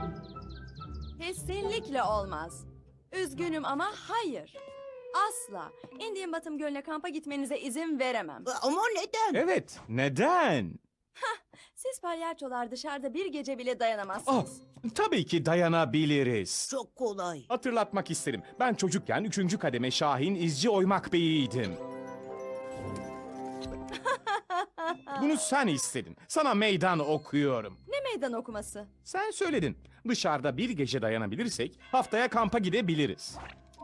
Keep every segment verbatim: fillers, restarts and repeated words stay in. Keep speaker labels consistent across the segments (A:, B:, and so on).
A: Kesinlikle olmaz. Üzgünüm ama hayır. Asla. Indian Bottom Gölü'ne kampa gitmenize izin veremem.
B: Ama neden?
C: Evet, neden?
A: Siz palyaçolar dışarıda bir gece bile
C: Oh,
A: dayanamazsınız.
C: tabii ki dayanabiliriz.
B: Çok kolay.
C: Hatırlatmak isterim. Ben çocukken üçüncü kademe Şahin İzci Oymak Bey'iydim. Bunu sen istedin. Sana meydan okuyorum.
A: Ne meydan okuması?
C: Sen söyledin. Dışarıda bir gece dayanabilirsek haftaya kampa gidebiliriz.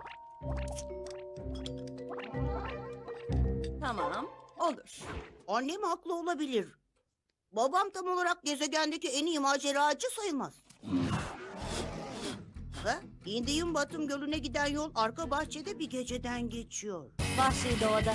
A: Tamam, olur.
B: Annem haklı olabilir. Babam tam olarak gezegendeki en iyi maceracı sayılmaz. Ha? Indian Batım Gölü'ne giden yol arka bahçede bir geceden geçiyor.
D: Vahşi doğada.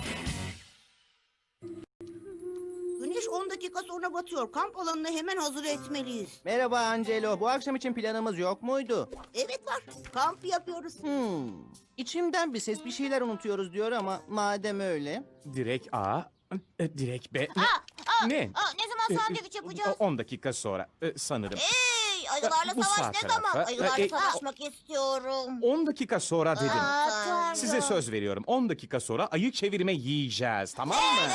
B: Güneş on dakika sonra batıyor. Kamp alanını hemen hazır etmeliyiz.
E: Merhaba Angelo. Bu akşam için planımız yok muydu?
B: Evet var. Kamp yapıyoruz.
E: Hmm. İçimden bir ses bir şeyler unutuyoruz diyor ama madem öyle.
C: Direkt A, e, direkt B.
D: Aa, aa,
C: Ne?
D: aa, ne zaman sandviç
C: E,
D: yapacağız?
C: on dakika sonra e, sanırım.
D: Hey, ayılarla
C: Bu
D: savaş
C: sağ
D: ne zaman?
C: tarafa.
D: Ayılarla
C: E, e,
D: savaşmak istiyorum.
C: on dakika sonra dedim.
D: Aa, Tanrım.
C: Size söz veriyorum. on dakika sonra ayı çevirme yiyeceğiz. Tamam mı?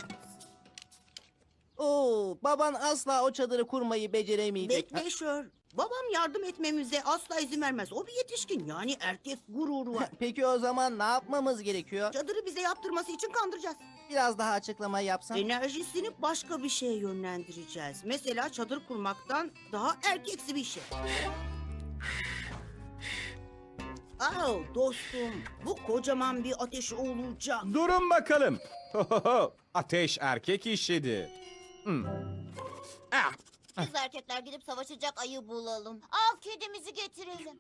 E: Oo, baban asla o çadırı kurmayı beceremeyecek.
B: Bekle Şör. Babam yardım etmemize asla izin vermez. O bir yetişkin, yani erkek gururu var.
E: Peki o zaman ne yapmamız gerekiyor?
B: Çadırı bize yaptırması için kandıracağız.
E: Biraz daha açıklama yapsan.
B: Enerjisini başka bir şeye yönlendireceğiz. Mesela çadır kurmaktan daha erkeksi bir şey. Aa, dostum, bu kocaman bir ateş olacak.
C: Durun bakalım. Ateş erkek işidir. Hmm. Ah,
D: Biz erkekler gidip savaşacak ayı bulalım. Av kedimizi getirelim.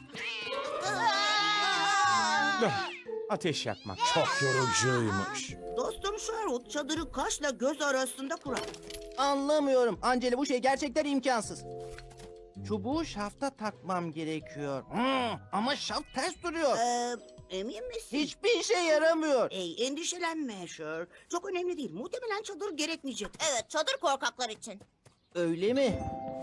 C: ah. Ateş yakmak çok yorucuymuş.
B: Dostum Sherwood çadırı kaşla göz arasında kurar.
E: Anlamıyorum. Angelo bu şey gerçekten imkansız. Çubuğu şafta takmam gerekiyor. Hmm, ama şaft ters duruyor.
B: Ee, emin misin?
E: Hiçbir işe yaramıyor.
B: Ey, endişelenme Sher. Çok önemli değil. Muhtemelen çadır gerekmeyecek.
D: Evet, çadır korkaklar için.
E: Öyle mi?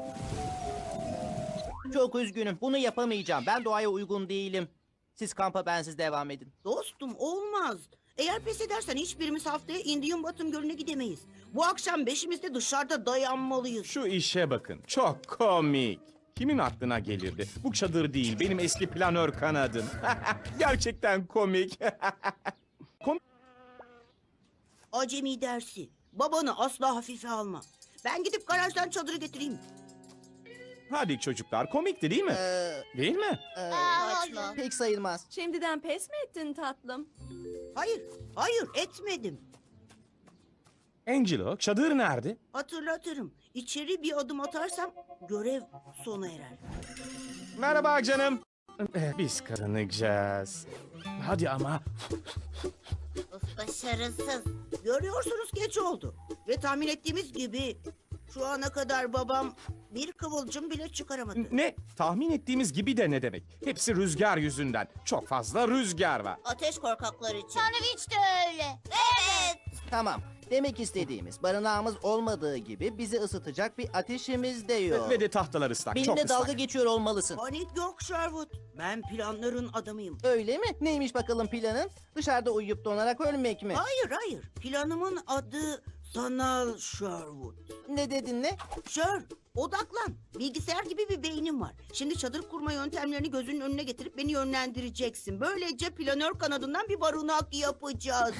E: Çok üzgünüm. Bunu yapamayacağım. Ben doğaya uygun değilim. Siz kampa bensiz devam edin.
B: Dostum olmaz. Eğer pes edersen hiçbirimiz haftaya Indian Bottom Gölü'ne gidemeyiz. Bu akşam beşimiz de dışarıda dayanmalıyız.
C: Şu işe bakın. Çok komik. Kimin aklına gelirdi? Bu çadır değil, benim eski planör kanadım. Gerçekten komik. komik.
B: Acemi dersi. Babanı asla hafife alma. Ben gidip garajdan çadırı getireyim.
C: Hadi çocuklar, komikti değil mi?
E: Ee,
C: Değil mi?
E: e,
D: Aa,
B: saçma.
D: hayır.
E: pek sayılmaz.
A: Şimdiden pes mi ettin tatlım?
B: Hayır, hayır etmedim.
C: Angelo, çadır nerede?
B: Hatırlatırım. İçeri bir adım atarsam görev sona erer.
C: Merhaba canım. Eh, Biz kazanacağız. Hadi ama.
D: Of, başarısız.
B: Görüyorsunuz geç oldu. Ve tahmin ettiğimiz gibi şu ana kadar babam bir kıvılcım bile çıkaramadı.
C: Ne? Tahmin ettiğimiz gibi de ne demek? Hepsi rüzgar yüzünden. Çok fazla rüzgar var.
D: Ateş korkaklar için. Sandviç de öyle. Evet.
E: Tamam. Demek istediğimiz barınağımız olmadığı gibi bizi ısıtacak bir ateşimiz de yok.
C: Ve de tahtalar ıslak. çok
E: Benimle
C: ıslak.
E: dalga geçiyor olmalısın.
B: Panik yok Sherwood. Ben planların adamıyım.
E: Öyle mi? Neymiş bakalım planın? Dışarıda uyuyup donarak ölmek mi?
B: Hayır hayır. Planımın adı sanal Sherwood.
E: Ne dedin ne?
B: Sher, odaklan. Bilgisayar gibi bir beynim var. Şimdi çadır kurma yöntemlerini gözünün önüne getirip beni yönlendireceksin. Böylece planör kanadından bir barınak yapacağız.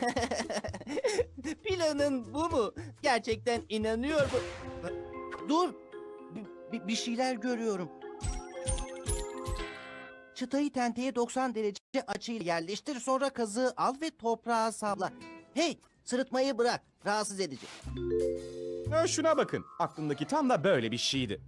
E: Planın bu mu? Gerçekten inanıyor mu? Dur. Bir, bir- bir şeyler görüyorum. Çıtayı tenteye doksan derece açıyla yerleştir. Sonra kazığı al ve toprağa salla. Hey, sırıtmayı bırak. Rahatsız edici.
C: Ha, şuna bakın. Aklımdaki tam da böyle bir şeydi.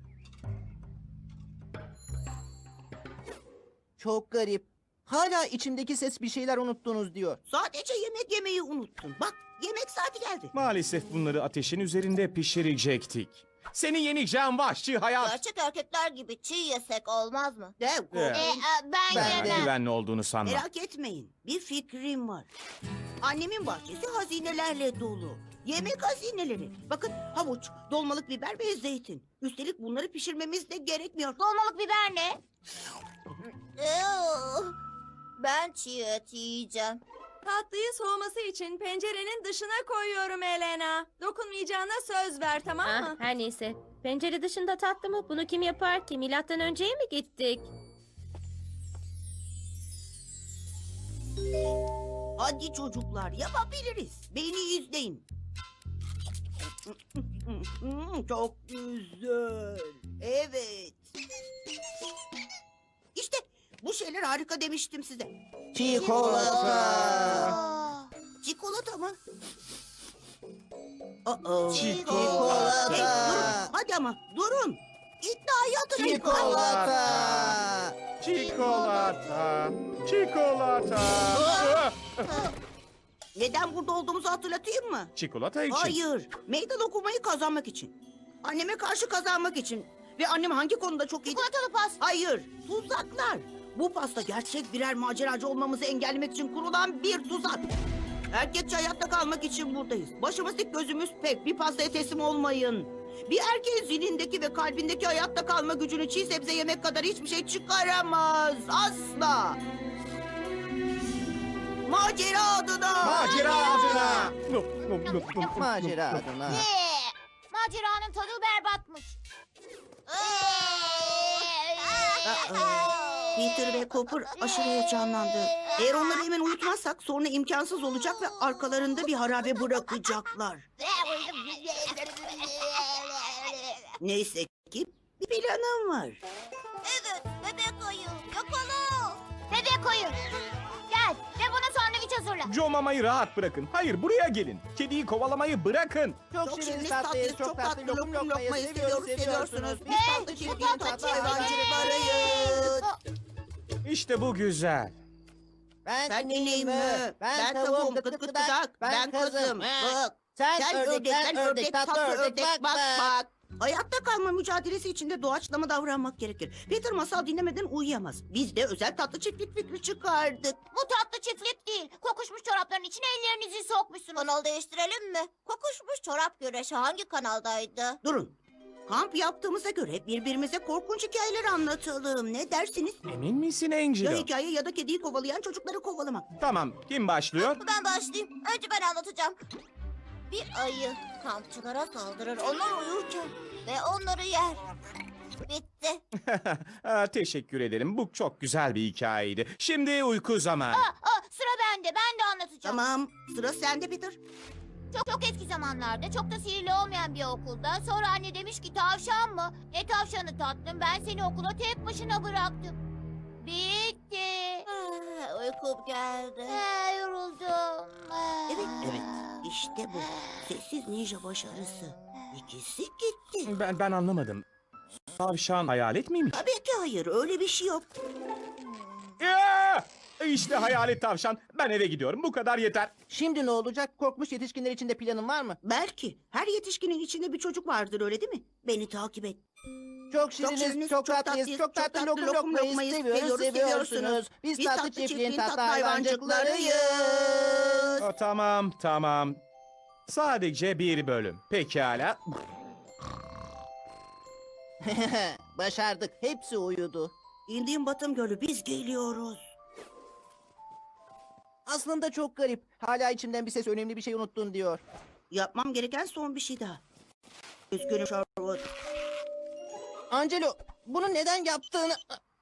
E: Çok garip. Hala içimdeki ses bir şeyler unuttunuz diyor.
B: Sadece yemek yemeyi unuttun. Bak yemek saati geldi.
C: Maalesef bunları ateşin üzerinde pişirecektik. Seni yeneceğim vahşi hayat.
D: Gerçek erkekler gibi çiğ yesek olmaz mı?
B: Dev
C: Evet.
B: korkmayın.
D: ben,
E: Ben
C: Ben güvenli olduğunu sanmam.
B: Merak etmeyin. Bir fikrim var. Annemin bahçesi hazinelerle dolu. Yemek hazineleri. Bakın havuç, dolmalık biber ve zeytin. Üstelik bunları pişirmemiz de gerekmiyor.
D: Dolmalık biber ne? Ew, ben çiğ et yiyeceğim.
A: Tatlıyı soğuması için pencerenin dışına koyuyorum Elena. Dokunmayacağına söz ver, tamam
F: Ah,
A: mı?
F: her neyse. Pencere dışında tatlı mı? Bunu kim yapar ki? Milattan önceye mi gittik?
B: Hadi çocuklar yapabiliriz. Beni izleyin. Çok güzel. Evet. İşte bu şeyler harika demiştim size.
E: Çikolata.
D: Aa,
B: Çikolata mı? Aa,
E: Çikolata.
B: Hey, durun. Hadi ama durun. İddiayı hatırlayın.
E: Çikolata.
C: Çikolata. Çikolata.
B: Neden burada olduğumuzu hatırlatayım mı?
C: Çikolata için.
B: Hayır. Meydan okumayı kazanmak için. Anneme karşı kazanmak için. Ve annem hangi konuda çok iyi?
D: çikolatalı pas.
B: Hayır. Tuzaklar. Bu pasta gerçek birer maceracı olmamızı engellemek için kurulan bir tuzak. Erkekçe hayatta kalmak için buradayız. Başımız dik gözümüz pek. Bir pastaya teslim olmayın. Bir erkeğin zihnindeki ve kalbindeki hayatta kalma gücünü çiğ sebze yemek kadar hiçbir şey çıkaramaz. Asla. Macera adına.
C: Macera adına.
E: Macera adına.
D: Ne? Maceranın tadı berbatmış.
B: Peter ve Cooper aşırı heyecanlandı. Eğer onları hemen uyutmazsak sonra imkansız olacak ve arkalarında bir harabe bırakacaklar. Neyse ki bir planım var.
D: Evet, bebek ayı. Yakala. Bebek ayı. Gel ve buna sandviç hazırla.
C: Joe Mama'yı rahat bırakın. Hayır, buraya gelin. Kediyi kovalamayı bırakın.
E: Çok,
B: Çok
E: şirin
B: şiriniz,
E: tatlıyız, çok tatlı lokum lokmayı seviyoruz, seviyorsunuz. Biz tatlı çiftliğin tatlı hayvancılıklarıyız.
C: İşte bu güzel.
E: Ben
B: Ben ineyim
E: mü?
B: mi? Ben tavuğum gıt gıt gıdak. Ben kızım. Bak.
E: Sen,
B: Sen ördek, ben ördek, tatlı ördek. Bak bak. Hayatta kalma mücadelesi içinde doğaçlama davranmak gerekir. Peter masal dinlemeden uyuyamaz. Biz de özel tatlı çiftlik fikri çıkardık.
D: Bu tatlı çiftlik değil. Kokuşmuş çorapların içine ellerinizi sokmuşsunuz. Kanal değiştirelim mi? Kokuşmuş çorap güreşi hangi kanaldaydı?
B: Durun. Kamp yaptığımıza göre birbirimize korkunç hikayeler anlatalım. Ne dersiniz?
C: Emin misin
B: Ya
C: Angelo?
B: hikaye ya da kediyi kovalayan çocukları kovalamak.
C: Tamam, kim başlıyor?
D: Ben başlayayım. Önce ben anlatacağım. Bir ayı kampçılara saldırır onlar uyurken ve onları yer. Bitti.
C: Aa, teşekkür ederim. Bu çok güzel bir hikayeydi. Şimdi uyku zamanı.
D: Aa, aa, sıra bende. Ben de anlatacağım.
B: Tamam. Sıra sende Peter.
D: Çok çok eski zamanlarda çok da sihirli olmayan bir okulda sonra anne demiş ki tavşan mı? Ne tavşanı tatlım ben seni okula tek başına bıraktım. Bitti. Ah, uykum geldi. Ah, yoruldum. Ah.
B: Evet, evet. İşte bu. Sessiz ninja başarısı. İkisi gitti.
C: Ben ben anlamadım. Tavşan hayalet miymiş?
B: Tabii ki hayır. Öyle bir şey yok.
C: Ya! İşte hayalet tavşan. Ben eve gidiyorum. Bu kadar yeter.
E: Şimdi ne olacak? Korkmuş yetişkinler için de planın var mı?
B: Belki. Her yetişkinin içinde bir çocuk vardır öyle değil mi? Beni takip et.
E: Çok şiriniz,
B: şiriniz,
E: çok,
B: çok
E: tatlıyız,
B: tatlıyız,
E: çok tatlı
B: çok
E: lokum
B: tatlı lokum
E: lokmayı
B: lokmayı
E: seviyoruz,
B: seviyoruz,
E: seviyorsunuz.
B: seviyorsunuz.
E: Biz
B: Biz
E: tatlı
B: tatlı
E: çiftliğin
B: çiftliğin
E: tatlı
B: tatlı
E: hayvancıklarıyız.
C: Aa, tamam, tamam. Sadece bir bölüm. Pekala.
E: Başardık, hepsi uyudu.
B: İndiğim Batım Gölü biz geliyoruz.
E: Aslında çok garip. Hala içimden bir ses önemli bir şey unuttun diyor.
B: Yapmam gereken son bir şey daha. Üzgünüm Sherwood.
E: Angelo, bunu neden yaptığını...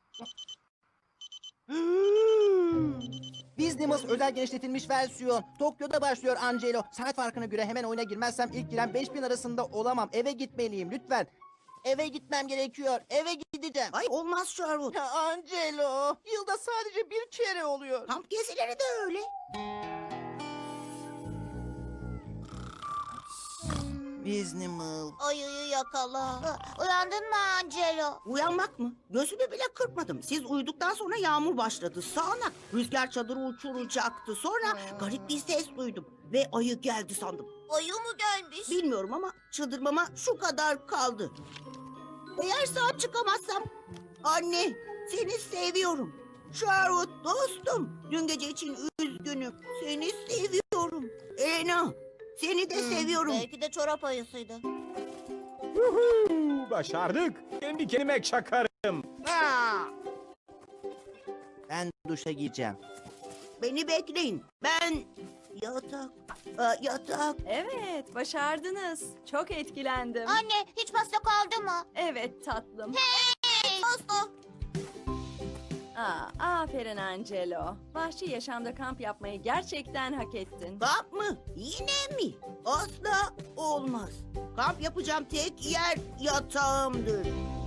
B: Hmm.
E: Business özel genişletilmiş versiyon. Tokyo'da başlıyor Angelo. Saat farkına göre hemen oyuna girmezsem ilk giren beş bin arasında olamam. Eve gitmeliyim lütfen. Eve gitmem gerekiyor. Eve gideceğim.
B: Ay olmaz Sherwood.
E: Ya Angelo, yılda sadece bir kere oluyor.
B: Kamp gezileri de öyle.
E: Business.
D: Ayıyı yakala. Uyandın mı Angelo?
B: Uyanmak mı? Gözümü bile kırpmadım. Siz uyuduktan sonra yağmur başladı. Sağanak. Rüzgar çadırı uçuracaktı. Sonra garip bir ses duydum. Ve ayı geldi sandım.
D: Ayı mı gelmiş?
B: Bilmiyorum ama çıldırmama şu kadar kaldı. Eğer sağ çıkamazsam... Anne, seni seviyorum. Sherwood dostum. Dün gece için üzgünüm. Seni seviyorum. Elena, Seni de seviyorum.
D: Belki de çorap ayısıydı.
C: Yuhuu, başardık. Kendi kendime çakarım.
B: Aa,
E: Ben duşa gireceğim.
B: beni bekleyin. Ben yatak, Aa, yatak.
A: Evet, başardınız. Çok etkilendim.
D: Anne hiç pasta kaldı mı?
A: Evet tatlım.
D: Hey! Pasta.
A: Aa, aferin Angelo. Vahşi yaşamda kamp yapmayı gerçekten hak ettin.
B: Kamp mı? Yine mi? Asla olmaz. Kamp yapacağım tek yer yatağımdır.